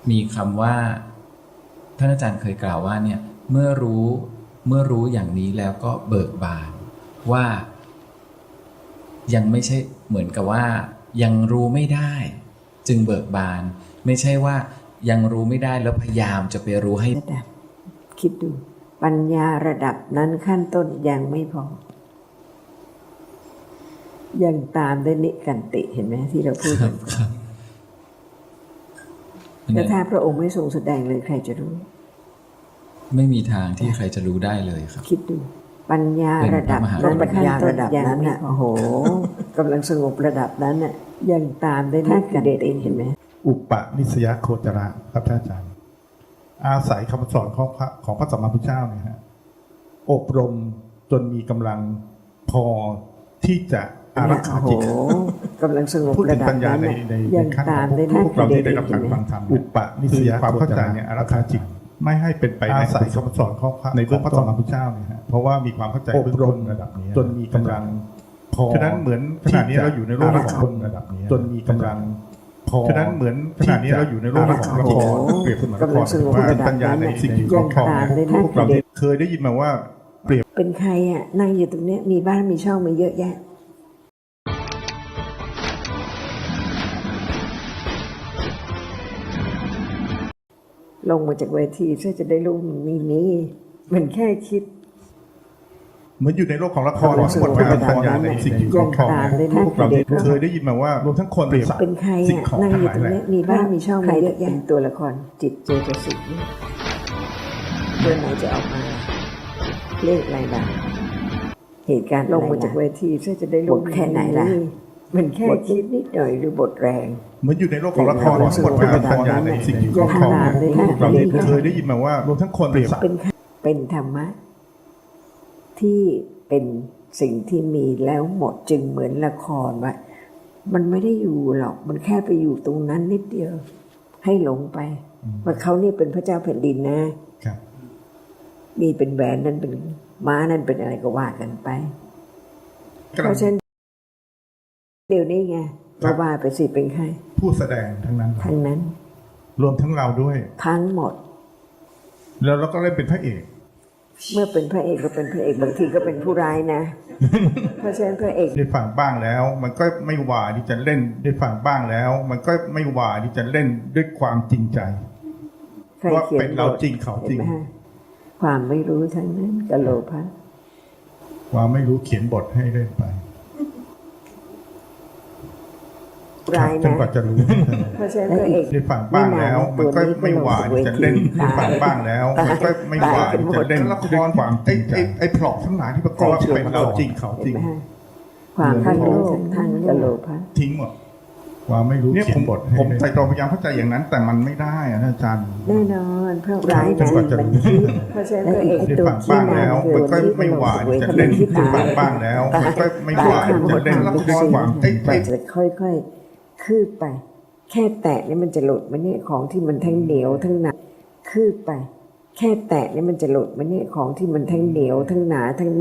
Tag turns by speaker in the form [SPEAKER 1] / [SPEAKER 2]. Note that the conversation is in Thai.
[SPEAKER 1] มีคำว่าท่านอาจารย์เคยกล่าวว่าเนี่ยเมื่อรู้อย่างนี้แล้วก็เบิกบานว่ายังไม่ใช่เหมือนกับว่ายังรู้ไม่ได้จึงเบิกบานไม่ใช่ว่ายังรู้ไม่ได้แล้วพยายามจะไปรู้ให้
[SPEAKER 2] ระดับคิดดูปัญญาระดับนั้นขั้นต้นยังไม่พอยังตามด้วยนิกันติเห็นไหมที่เราพูดกันแต่ถ้าพระองค์ไม่ทรงแสดงเลยใครจะรู้
[SPEAKER 1] ไม่มีทางที่ใครจะรู้ได้เลยครับ
[SPEAKER 2] คิดดูปัญญาระดับนั้นปัญญาระดับนั้นน่ะโอ้โหกำลังสงบระดับนั้นน่ะยังตามด้วยนิกันติเห็นไหม
[SPEAKER 3] อุปนิสยโคจระครับท่านอาจารย์อาศัยคำสอนของพระสัมมาสัมพุทธเจ้าเนี่ยฮะอบรมจนมีกำลังพอที่จะอารักขาจิต
[SPEAKER 2] กำลังสงบระดับนั้นยังตามด้วยนิกันติ
[SPEAKER 3] เราได้รับการฟังธรรมอุปนิสยความเข้าใจเนี่ยอารักขาจิตไม่ให้เป็นไปอาศัยคำสอนในเรื่องพระสัมมาสัมพุทธเจ้าเนี่ยฮะเพราะว่ามีความเข้าใจอบรมระดับนี้จนมีกำลังพอฉะนั้นเหมือนขณะนี้เราอยู่ในโลกของระดับนี้จนมีกำลังฉะนั้นเหมือนขณะนี้เราอยู่ในโลกของละครเปรียบเสมือนละครว่าเป็นปัญญาในสิ่งที่ครอบครองพวกเราเคยได้ยินมาว่าเปรียบ
[SPEAKER 2] เป็นใครอ่ะนั่งอยู่ตรงนี้มีบ้านมีช่องมาเยอะแยะลงมาจากเวทีเพื่อจะได้รู้มันมีนี้มันแค่คิด
[SPEAKER 3] เหมือนอยู่ในโลกของละครทั้งหมดเป็นปัญญาในสิ่งที่ครอบครองพวกเราเคยได้ยินมาว่ารวมทั้งคนเปรียบ
[SPEAKER 2] เป็นใครอ่ะนั่งอยู่ตรงนี้มีบ้านมีช่องมาเยอะแยะตัวละครจิตเจตสิกเรื่องไหนจะออกมาเลขอะไรบ้างเหตุการณ์ลงมาจากเวทีเพื่อจะได้รู้แค่ไหนล่ะมันแค่คิดนิดหน่อยหรือบทแรง
[SPEAKER 3] เหมือนอยู่ในโลกของละครทั้งหมดเป็นปัญญาในสิ่งที่ครอบครองพวกเราเคยได้ยินมาว่ารวมทั้งคนเปรียบ
[SPEAKER 2] เป็นธรรมะที่เป็นสิ่งที่มีแล้วหมดจึงเหมือนละครว่ามันไม่ได้อยู่หรอกมันแค่ไปอยู่ตรงนั้นนิดเดียวให้หลงไปว่าเขานี่เป็นพระเจ้าแผ่นดินนะนี่เป็นแหวนนั่นเป็นม้านั่นเป็นอะไรก็ว่ากันไปเพราะฉะนั้นเดี๋ยวนี้ไงว่าไปสิเป็นใคร
[SPEAKER 3] ผู้แสดงทั้งนั้นรวมทั้งเราด้วย
[SPEAKER 2] ทั้งหมด
[SPEAKER 3] แล้วเราก็เล่นเป็นพระเอก
[SPEAKER 2] เมื่อเป็นพระเอกก็เป็นพระเอกบางทีก็เป็นผู้ร้ายนะเพราะฉะนั้นพระเอก
[SPEAKER 3] ได้ฟังบ้างแล้วมันก็ไม่หวาที่จะเล่นได้ฟังบ้างแล้วมันก็ไม่หวาที่จะเล่นด้วยความจริงใจว่าเป็นเราจริงเขาจริง
[SPEAKER 2] ความไม่รู้ทั้งนั้นกะโลภะ
[SPEAKER 3] ความไม่รู้เขียนบทให้เล่นไป
[SPEAKER 2] ร้ายนะ
[SPEAKER 3] จนกว่าจะรู้
[SPEAKER 2] เพราะฉะนั้นพระเอก
[SPEAKER 3] ได้ฟังบ้างแล้วมันก็ไม่หวาที่จะเล่นได้ฟังบ้างแล้วมันก็ไม่หวาที่จะเล่นละครความจริงใจไอ้พล็อตทั้งหลายที่ประกอบเป็นเราจริงเขาจริง
[SPEAKER 2] ความทั้งโลภทั้งกะโลภะ
[SPEAKER 3] ทิ้งหมดความไม่รู้เขียนบทผมใจตรงพยายามเข้าใจอย่างนั้นแต่มันไม่ได้อาจารย์
[SPEAKER 2] แน่นอนเพราะร้ายนะเพราะฉะนั้นพระเอก
[SPEAKER 3] ตัวบ้างแล้วมันก็ไม่หวานจะเล่นบ้างแล้วมันก็ไม่หวานจะเล่นละครความจริงใจ
[SPEAKER 2] จะค่อยๆคืบไปแค่แตะนี่มันจะหลุดมันเนี่ยของที่มันทั้งเหนียวทั้งหนาคืบไปแค่แตะนี่มันจะหลุดมันเนี่ยของที่มันทั้งเหนียวทั้งหนาทั้ง